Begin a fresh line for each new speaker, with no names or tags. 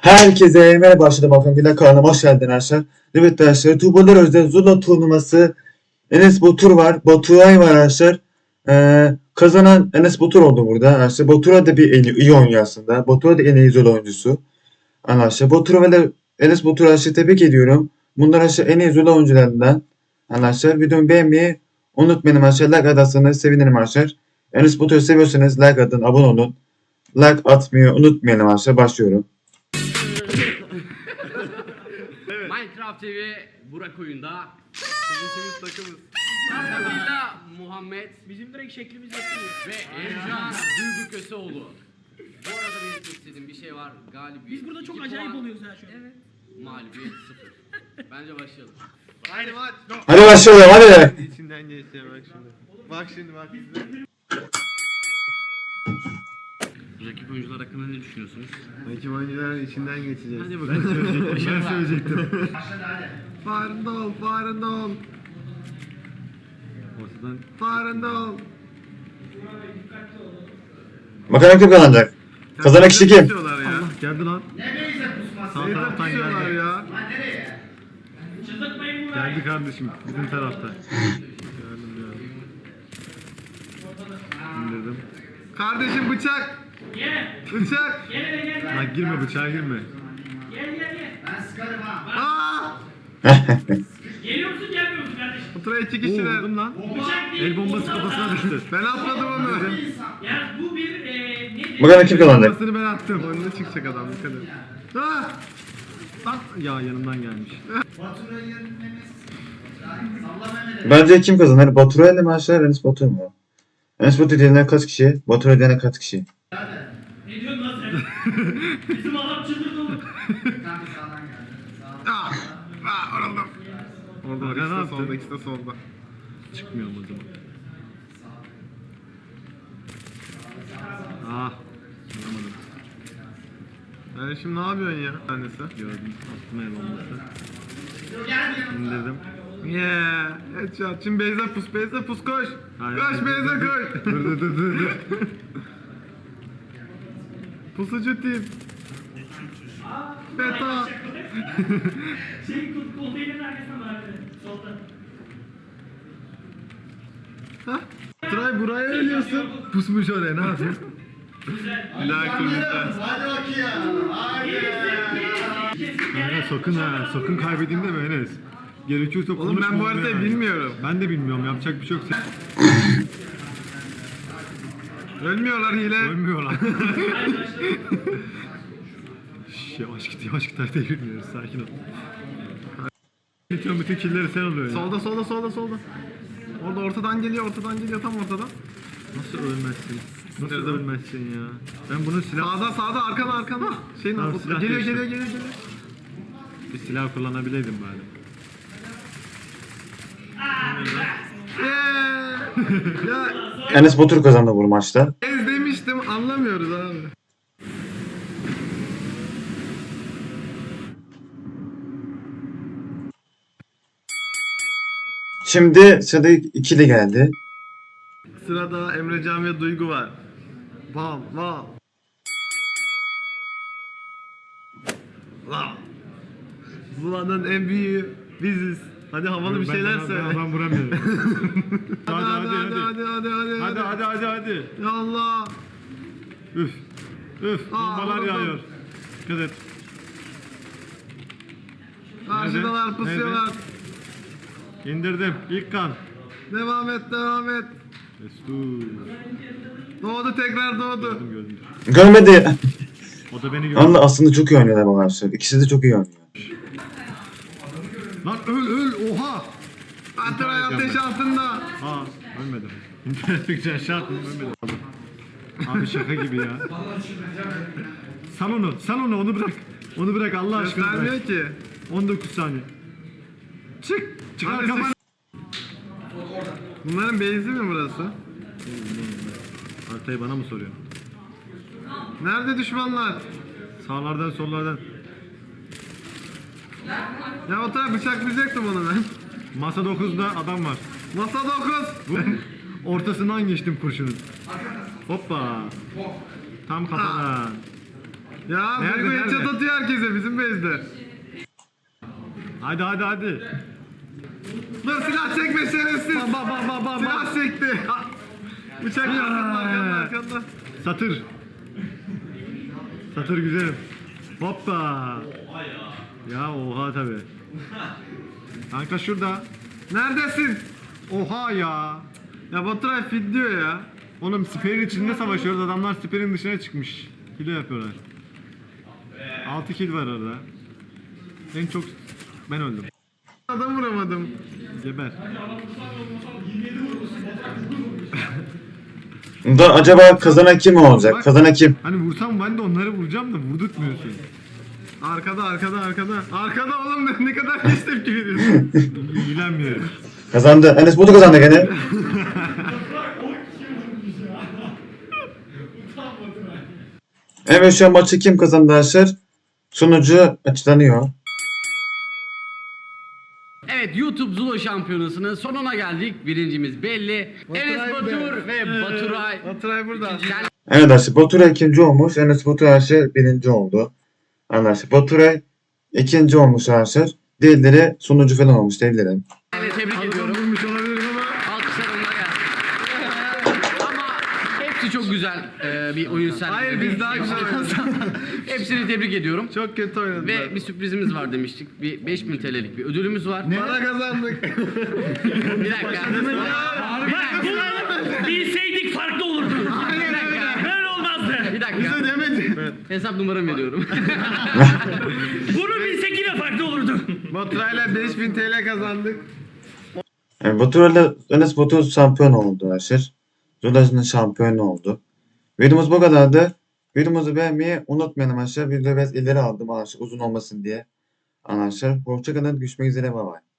Herkese merhaba başladım Afengüler kanalıma hoş geldin arkadaşlar. Evet arkadaşlar Tuğbalar Özel Zula turnuvası Enes Batur var. Baturay var arkadaşlar. Kazanan Enes Batur oldu burada arkadaşlar. Batura da bir iyi oynuyor aslında. Batura da en iyi Zula oyuncusu. Arkadaşlar Batura ve Enes Batur arkadaşlar tebrik ediyorum. Bunlar arkadaşlar en iyi Zula oyuncularından. Arkadaşlar videomu beğenmeyi unutmayın arkadaşlar. Like atarsanız sevinirim arkadaşlar. Enes Batur'u seviyorsanız like atın, abone olun. Like atmayı unutmayın arkadaşlar. Başlıyorum.
Evet. Minecraft TV Burak oyunda.
Bizimkimiz takımız.
Arkasıyla Muhammed
Bizim direkt şeklimiz yapıyor.
ve Ercan Duygu Köseoğlu. Bu arada belirtmek istediğim bir şey var. Galibiyet.
Biz burada çok
2
acayip
puan,
oluyoruz ha şu an. Evet.
mağlubiyet 0. Bence başlayalım.
Haydi maç.
Hadi başlayalım hadi.
İçinden geçti bak şimdi. Bak şimdi bak izle.
Rakip oyuncular hakkında ne düşünüyorsunuz?
Rakip oyuncuların içinden geçeceğiz.
Hadi bakalım.
Ben söyleyecektim. Farında ol, farında ol.
Ortadan
Farında ol.
Bakalım kim kazanacak? Kazanan kişi kim?
Diyorlar ya.
geldi lan.
Sağ taraftan geldi. Ya.
Çıldırtmayın bunu.
Geldi kardeşim bizim tarafta. İndirdim.
Kardeşim bıçak.
Gel.
Bıçak.
Gel hele gel.
Lan girme bıçağa girme.
Gel.
Aa!
Geliyor musun gelmiyor musun kardeşim?
Otura iki kişiler.
lan.
Bıçak değil.
El bombası kafasına düştü.
Ben atmadım onu.
Ya bu bir ne?
Bakalım kim kazanacak?
Kafasını ben attım.
Önüne çıkacak adam dikkat et. Ah!
Lan ya yanımdan gelmiş.
Bence kim kazanır? Batura ile mi aşağı Enes Batur mu? Enes Batur diyenler kaç kişi? Batura diyenler kaç kişi?
Ne diyorsun lan sen? Bizim adam çıldırdı oğlum.
Ah! Ah! Oğlum. Orada
Aga, ne
ikisi de
yaptın?
solda, ikisi de solda.
Çıkmıyorum o zaman. Ah. Anlamadım.
Yani şimdi ne yapıyorsun ya? Annesi.
Gördüm. Attım el bombası. İndirdim.
Yeah, headshot. Şimdi Beyza pus koş.
Hayır,
Koş
dur,
Beyza
dur,
koş.
Dur.
Pusucu tip. Beta.
Konteynerin arkasında var abi. Solda.
Hah. Tray buraya ölüyorsun.
Pusmuş oraya ne yapayım?
Bir daha kırmızı.
Kanka sakın kaybedeyim deme Enes. Gerekiyorsa
Oğlum ben bu haritayı bilmiyorum.
Ben de bilmiyorum yapacak bir şey yok.
Ölmüyorlar hile.
Ölmüyorlar. Şş, yavaş git haritayı bilmiyoruz sakin ol. Bütün killeri sen alıyorsun ya.
Solda. Orada ortadan geliyor tam ortadan.
Nasıl ölmezsin? Nasıl
Nerede?
ölmezsin ya? Ben bunun silah...
Sağda arkana. Şeyin
Tamam, silah
geliyor.
Bir silah kullanabileydim bari.
Ya
Enes Batur kazandı bu maçta.
ez demiştim anlamıyoruz abi.
Şimdi sırada ikili geldi.
Sırada Emrecan ve Duygu var. Bam. Zula'nın en büyüğü biziz. Hadi havalı bir şeyler söyle.
Ben vuramıyorum.
Hadi.
Hadi.
Ya Allah.
Üf. Bombalar
vurdum.
yağıyor. Dikkat et.
Karşıdalar pusuyorlar.
İndirdim. İlk kan.
Devam et.
Destur.
Doğdu tekrar.
Gördüm.
Görmedi.
O da beni gördü.
Anla aslında çok iyi oynuyorlar bu arkadaşlar. İkisi de çok iyi oynuyor.
Lan öl oha.
Atray ateş altında.
Aa ölmedim. İnternet fikri aşağı attım ölmedim. Abi şaka gibi ya. Sal onu onu bırak. Onu bırak Allah aşkına bırak.
Göstermiyor ki.
19 saniye. Çıkar
Hadi
kafanı.
Bunların base'i mi burası?
Haritayı bana mı soruyorsun?
Nerede düşmanlar?
Sağlardan sollardan.
Ya o taraf bıçaklayacaktım onu ben.
Masa 9'da adam var.
Masa 9.
Ortasından geçtim kurşunun. Hoppa. Tam kafadan.
Ya
Nerede,
Duygu
nerede?
headshot atıyor herkese bizim base'de.
Hadi.
Dur silah çekme şerefsiz.
Bak.
Silah çekti. Bıçak arkanda.
Satır güzelim. Hoppa. Ya oha tabi. Kanka şurada.
Neredesin?
Oha ya.
Ya Baturay fit diyor ya.
Oğlum siperin içinde savaşıyoruz. Adamlar siperin dışına çıkmış. Kilo yapıyorlar. 6 kill var orada. En çok ben öldüm.
Adam vuramadım.
Geber.
Bunda acaba kazanan kim olacak? Kazanan kim?
Hani vursam ben de onları vuracağım da vurdurtmuyorsun.
Arkada. Arkada oğlum ne kadar geç tepki veriyorsun.
İlgilenmiyorum.
Kazandı. Enes Batur kazandı gene. Evet şu an maçı kim kazandı arkadaşlar? Sonucu açıklanıyor.
Evet, YouTube Zula Şampiyonası'nın sonuna geldik. Birincimiz belli. Enes Batur ve Baturay.
Baturay burada.
Evet arkadaşlar Baturay ikinci olmuş. Enes Batur arkadaşlar birinci oldu. Arkadaşlar Baturay ikinci olmuş arkadaşlar. Diğerleri sonucu falan olmuş diyebilirim.
Yani tebrik ediyorum.
Vurmuş olabilirim ama.
Alkışlar onlara gelsin. Ama hepsi çok güzel bir oyun sergiledi.
Hayır biz daha güzel oynadık.
Hepsini tebrik ediyorum.
Çok kötü oynadılar.
Ve bir sürprizimiz var demiştik. Bir 5000 TL'lik bir ödülümüz var.
Para kazandık.
Bir dakika.
Bilseydik farklı olurdu.
Bir dakika.
Böyle olmazdı.
Bir dakika.
Demedi.
Hesap numaramı veriyorum.
Bunu bilsek yine farklı olurdu.
Baturay'la 5000 TL kazandık.
Yani Baturay'la Enes Batur şampiyon oldu arkadaşlar. Zula'nın şampiyonu oldu. Videomuz bu kadardı. Videomuzu beğenmeyi unutmayın arkadaşlar. Videoyu biraz ileri aldım arkadaşlar uzun olmasın diye. Arkadaşlar hoşçakalın. Görüşmek üzere. Bay bay.